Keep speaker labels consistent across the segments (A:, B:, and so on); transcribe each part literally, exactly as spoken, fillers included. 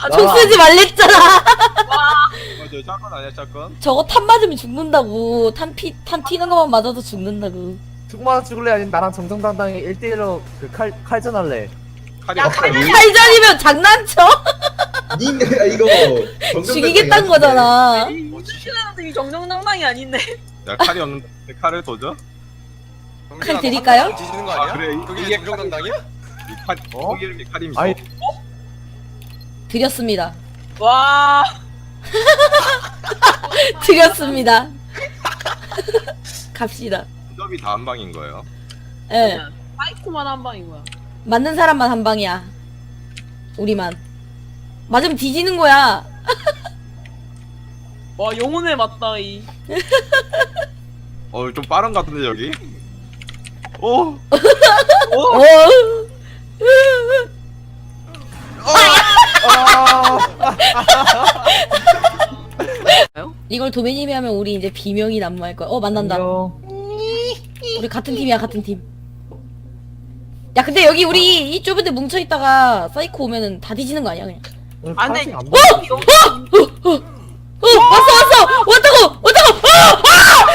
A: 총 쓰지 말랬잖아.
B: 맞아, 샷건 아니야, 샷건?
A: 저거 탄 맞으면 죽는다고. 탄 피, 탄 튀는 것만 맞아도 죽는다고.
C: 죽만 죽을래 아니면 나랑 정정당당히 일 대일로 그 칼 칼전할래.
B: 칼이
D: 야,
B: 없어.
D: 칼이-
A: 칼전이면 장난쳐?
E: 님 이거
A: 죽이겠다는 거잖아.
D: 이이 정정당당이 아닌데.
B: 야, 칼이 없는데 칼을 도져?
A: 칼 드릴까요?
F: 뒤지는 거 아니야?
B: 그래,
F: 그게
B: 이게
F: 정정당당이야?
B: 이 칼,
C: 어?
B: 이 이름이 칼임이죠.
C: 아이
A: 드렸습니다.
D: 와.
A: 드렸습니다. 갑시다.
B: 직업이 다 한 방인 거예요.
A: 예.
D: 사이코만 한 방인 거야.
A: 맞는 사람만 한 방이야. 우리만. 맞으면 뒤지는 거야.
D: 와, 영혼에 맞다 이.
B: 어, 좀 빠른 것 같은데, 여기? 오!
A: 어. 이걸 도매님이 하면 우리 이제 비명이 난무할 거야. 어, 만난다.
C: 안녕.
A: 우리 같은 팀이야, 같은 팀. 야, 근데 여기 우리 이 좁은 데 뭉쳐 있다가 사이코 오면은 다 뒤지는 거 아니야, 그냥.
C: 오늘
D: 안
C: 파란색
D: 돼.
C: 안 보여.
A: 어, 왔어, 왔어! 왔다고! 왔다고! 아! 아!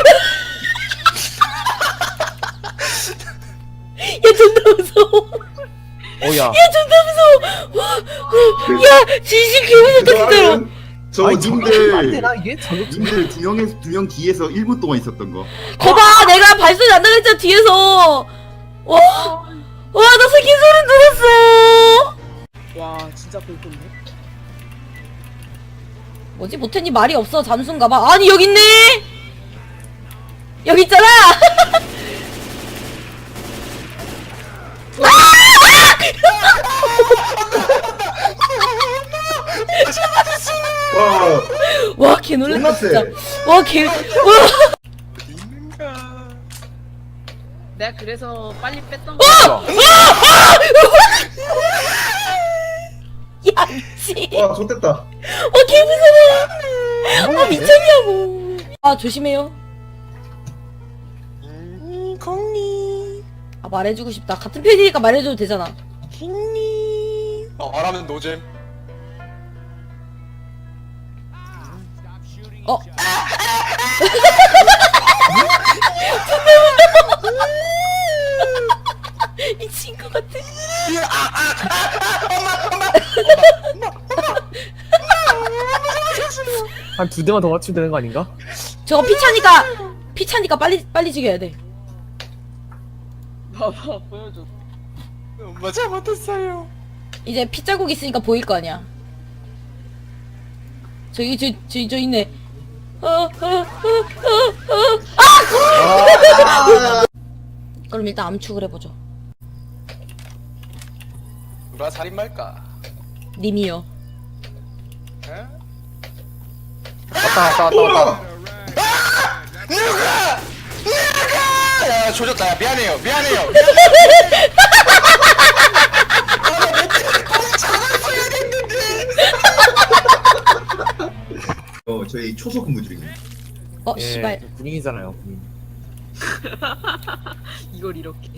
A: 야, 존나 무서워.
C: 어야.
A: 야, 존나 무서워. 와, 와, 야, 진심 개무섭다, 진짜로.
E: 저
C: 안
E: 님들
C: 되나 이게? 저격
E: 님들 두 명에서 두 명 뒤에서 일 분 동안 있었던 거.
A: 거봐, 내가 발소리 안 나겠잖아, 뒤에서. 와, 와, 나 새끼 소리 들었어.
D: 와, 진짜 볼건데.
A: 뭐지, 모태님 말이 없어, 잠수인가봐. 아니, 여기 있네! 여기 있잖아!
E: 와,
A: 와, 개 놀랬다, 진짜. 와, 개, 와.
F: 있는가?
D: 내가 그래서 빨리 뺐던 거.
A: 야, 미치.
E: 와, 좋됐다.
A: 어, 개 무서워. 아, 미쳤냐고. 아, 조심해요.
F: 음, 공니,
A: 아, 말해주고 싶다. 같은 편이니까 말해줘도 되잖아.
F: 공니. 어, 말하면 노잼.
A: 어? 미친 것 같아.
C: 한 두 대만 더 맞추면 되는 거 아닌가?
A: 저거 피차니까, 피차니까 빨리, 빨리 죽여야 돼.
D: 봐봐, 보여줘.
F: 엄마 잘못했어요.
A: 이제 피자국 있으니까 보일 거 아니야. 저기, 저, 저, 저 있네. 어, 어, 어, 어, 어. 아! 그럼 일단 암축을 해보죠.
F: 누가 살인말까?
A: 님이요.
F: 에?
C: 왔다 왔다 왔다 왔다.
F: 누가! 누가! 야, 조졌다. 야, 미안해요. 미안해요.
E: 어, 저희 초소 근무 중이에요.
A: 어,
C: 예,
A: 씨발.
C: 군인이잖아요. 군인.
D: 이걸 이렇게.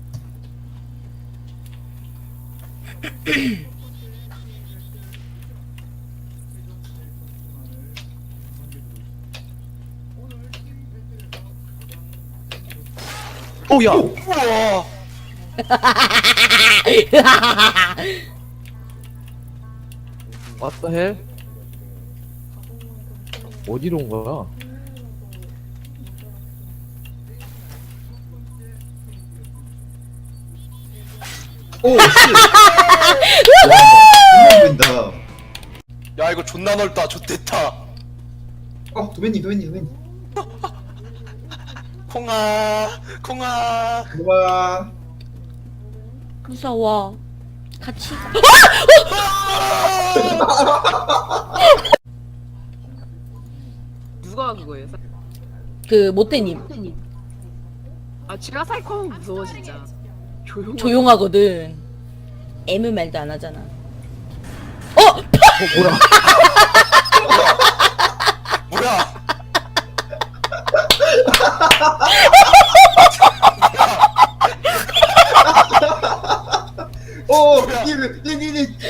C: 오야.
F: 우와.
C: What the hell? 어디로 온 거야?
E: 오, 씨. 와, 보인다.
F: 야, 이거 존나 넓다. 좋댔다.
E: 어, 도매님, 도매님, 도매님.
F: 콩아, 콩아.
E: 와,
A: 무서워. 같이 가.
D: 누가 그거예요? 사-
A: 그, 모태님.
D: 아, 제가 사이코 하면 무서워 진짜. 조용.
A: 조용하거든. 애무 말도 안 하잖아. 어!
C: 어 뭐야?
F: 뭐야?
E: 오, 님, 님, 님, 님.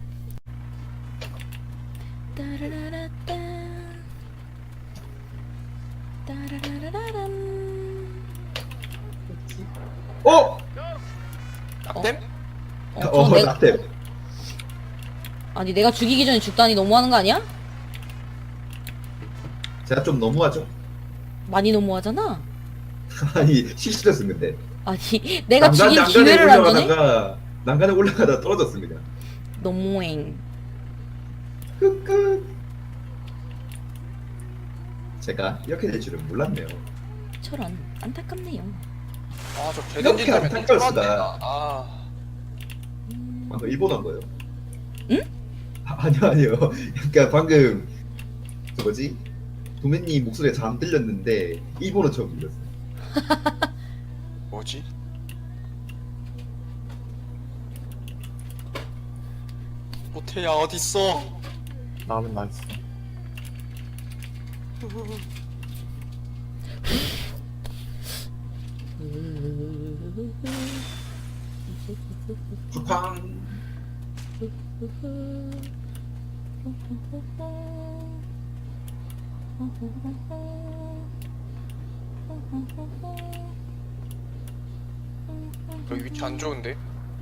A: 따라라라따. 따라라라람.
E: 어?
F: 낙댐?
A: 어,
E: 어,
A: 저 내가,
E: 낙대.
A: 아니 내가 죽이기 전에 죽다니 너무하는 거 아니야?
E: 제가 좀 너무하죠?
A: 많이 너무하잖아.
E: 아니 실수했습니다. 근데.
A: 아니 내가
E: 난간-
A: 죽일
E: 난간에
A: 기회를 안 주네?
E: 올라가다가 난간에 올라가다 떨어졌습니다.
A: 너무행.
E: 끝끝. 제가 이렇게 될 줄은 몰랐네요.
A: 저런 안타깝네요.
F: 아저
E: 이렇게
F: 개던진 다음에
E: 안
F: 똥
E: 닦았으다.
F: 들어왔네. 아
E: 방금 일본 한 거예요.
A: 응?
E: 아, 아니요 아니요. 그러니까 방금 그 뭐지? 도매님 목소리가 잘 안 들렸는데 일본어 처음 들렸어요.
F: 뭐지? 호태야 어딨어?
C: 나오면 나 있어.
E: 쿠팡.
F: 여기 위치 안 좋은데?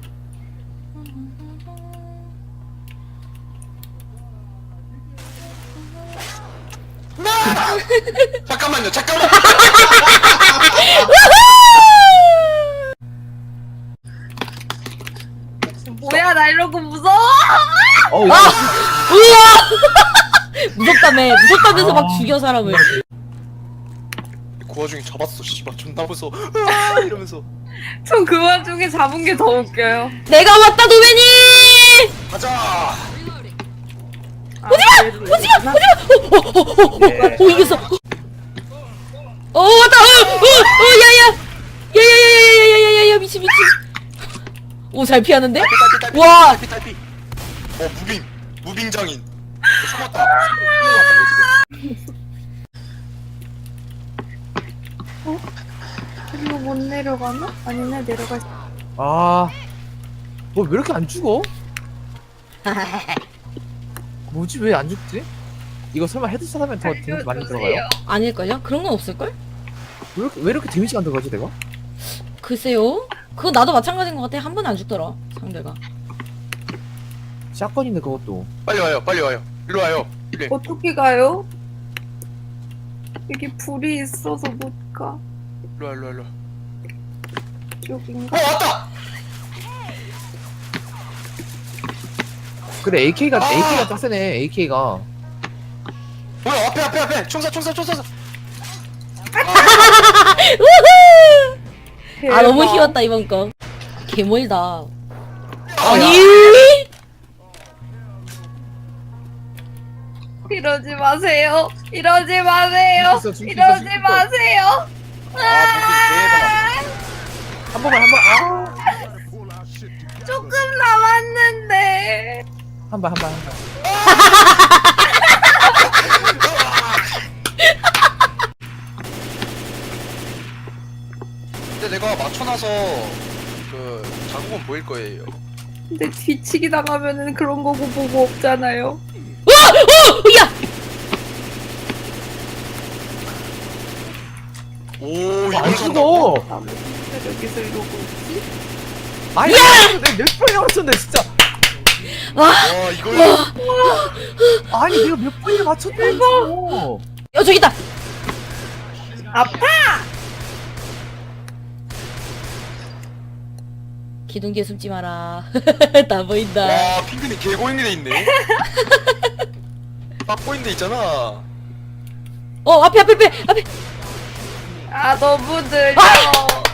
F: 잠깐만요 잠깐만.
D: 뭐야 나 이러고 무서워.
C: 어, 이거
A: 무섭다며. 무섭다면서 막
C: 아.
A: 죽여 사람을.
F: 그 와중에 잡았어 씨발 존나 무서워. 으아! 이러면서
D: 전 그 와중에 잡은 게 더 웃겨요.
A: 내가 왔다 도매니.
F: 가자.
D: 오지마 오지마 오지마.
A: 오 이겼어. 어 왔다. 어어어 야야. 야야야야야야야야야 미친 미친. 오 잘 피하는데?
F: 딸피, 딸피,
A: 와.
F: 딸피, 딸피. 어 무빙 무빙 장인. 숨었다.
G: 이거 못 내려가나? 아니네 내려갈 수.
C: 아, 뭐 왜 이렇게 안 죽어? 뭐지 왜 안 죽지? 이거 설마 헤드샷 하면 더 데미지 많이 들어가요?
A: 아닐걸요? 그런 건 없을걸?
C: 왜 이렇게, 왜 이렇게 데미지가 안 들어가지 내가?
A: 글쎄요. 그거 나도 마찬가지인 것 같아. 한 번에 안 죽더라 상대가.
C: 샷건인데 그것도.
F: 빨리 와요 빨리 와요 일로 와요 일로
G: 어떻게 가요? 여기 불이 있어서 못 가.
F: 일로 와 일로 와 일로 와.
G: 여긴가?
F: 어 왔다
C: 그래 에이케이가
F: 아!
C: 에이케이가 짱 세네 에이케이가.
F: 뭐야 앞에 앞에 앞에 총사 총사 총사
A: 아 너무 희웠다 이번 거. 개멀다. 아니.
G: 이러지 마세요. 이러지 마세요.
C: 죽겠어, 죽겠어,
G: 이러지
C: 죽겠어.
G: 마세요.
F: 아
C: 한 번만 한 번. 아,
G: 조금 남았는데.
C: 한 번 한 번 한 번.
F: 근데 내가 맞춰놔서 그 자국은 보일 거예요
G: 근데 뒤치기 당하면은 그런 거고 보고 없잖아요.
A: 야.
F: 오
C: 안
F: 이걸 산다고?
C: 죽어.
G: 나무 진짜 여기서 이러고 있지?
C: 아니 내몇 번이나 맞췄는데 진짜.
F: 와 이걸
C: 아니 내가 몇 번이나 맞췄는데 이거.
A: 야 저기 있다.
G: 아파!
A: 기둥 뒤에 숨지 마라. 다 보인다.
F: 와 핑크님 개고인데 있네 빡고인데 있잖아
A: 어 앞에 앞에 앞에 앞에.
G: 아 너무 느려.